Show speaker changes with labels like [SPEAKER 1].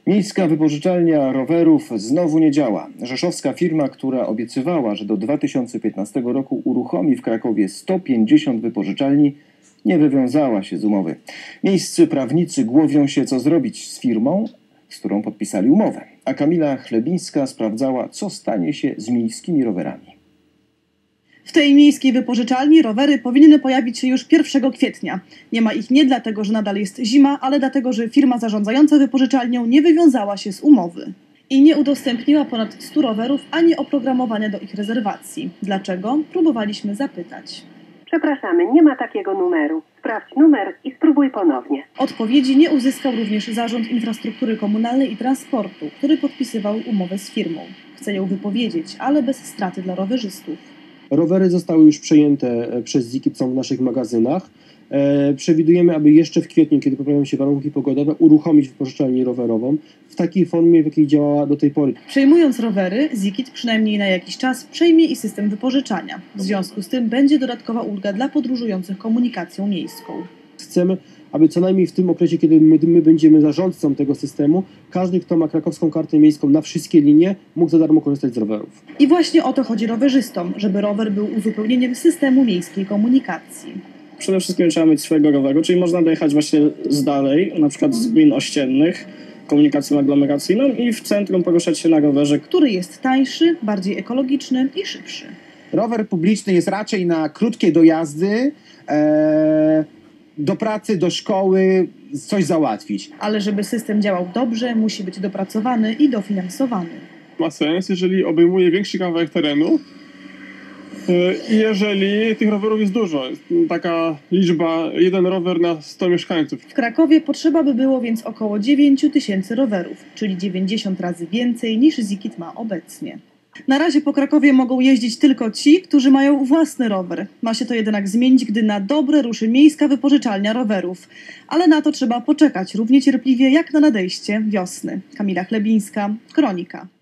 [SPEAKER 1] Miejska wypożyczalnia rowerów znowu nie działa. Rzeszowska firma, która obiecywała, że do 2015 roku uruchomi w Krakowie 150 wypożyczalni, nie wywiązała się z umowy. Miejscy prawnicy głowią się, co zrobić z firmą, z którą podpisali umowę. A Kamila Chlebińska sprawdzała, co stanie się z miejskimi rowerami.
[SPEAKER 2] W tej miejskiej wypożyczalni rowery powinny pojawić się już 1 kwietnia. Nie ma ich nie dlatego, że nadal jest zima, ale dlatego, że firma zarządzająca wypożyczalnią nie wywiązała się z umowy. I nie udostępniła ponad 100 rowerów ani oprogramowania do ich rezerwacji. Dlaczego? Próbowaliśmy zapytać.
[SPEAKER 3] Przepraszamy, nie ma takiego numeru. Sprawdź numer i spróbuj ponownie.
[SPEAKER 2] Odpowiedzi nie uzyskał również Zarząd Infrastruktury Komunalnej i Transportu, który podpisywał umowę z firmą. Chce ją wypowiedzieć, ale bez straty dla rowerzystów.
[SPEAKER 4] Rowery zostały już przejęte przez ZIKIT, są w naszych magazynach. Przewidujemy, aby jeszcze w kwietniu, kiedy poprawią się warunki pogodowe, uruchomić wypożyczalnię rowerową w takiej formie, w jakiej działała do tej pory.
[SPEAKER 2] Przejmując rowery, ZIKIT przynajmniej na jakiś czas przejmie i system wypożyczania. W związku z tym będzie dodatkowa ulga dla podróżujących komunikacją miejską.
[SPEAKER 4] Chcemy, aby co najmniej w tym okresie, kiedy my będziemy zarządcą tego systemu, każdy, kto ma krakowską kartę miejską na wszystkie linie, mógł za darmo korzystać z rowerów.
[SPEAKER 2] I właśnie o to chodzi rowerzystom, żeby rower był uzupełnieniem systemu miejskiej komunikacji.
[SPEAKER 5] Przede wszystkim trzeba mieć swojego roweru, czyli można dojechać właśnie z dalej, na przykład z gmin ościennych, komunikacją aglomeracyjną i w centrum poruszać się na rowerze,
[SPEAKER 2] który jest tańszy, bardziej ekologiczny i szybszy.
[SPEAKER 6] Rower publiczny jest raczej na krótkie dojazdy, do pracy, do szkoły, coś załatwić.
[SPEAKER 2] Ale żeby system działał dobrze, musi być dopracowany i dofinansowany.
[SPEAKER 7] Ma sens, jeżeli obejmuje większy kawałek terenu i jeżeli tych rowerów jest dużo. Jest taka liczba, 1 rower na 100 mieszkańców.
[SPEAKER 2] W Krakowie potrzeba by było więc około 9 000 rowerów, czyli 90 razy więcej niż ZIKIT ma obecnie. Na razie po Krakowie mogą jeździć tylko ci, którzy mają własny rower. Ma się to jednak zmienić, gdy na dobre ruszy miejska wypożyczalnia rowerów. Ale na to trzeba poczekać równie cierpliwie jak na nadejście wiosny. Kamila Chlebińska, Kronika.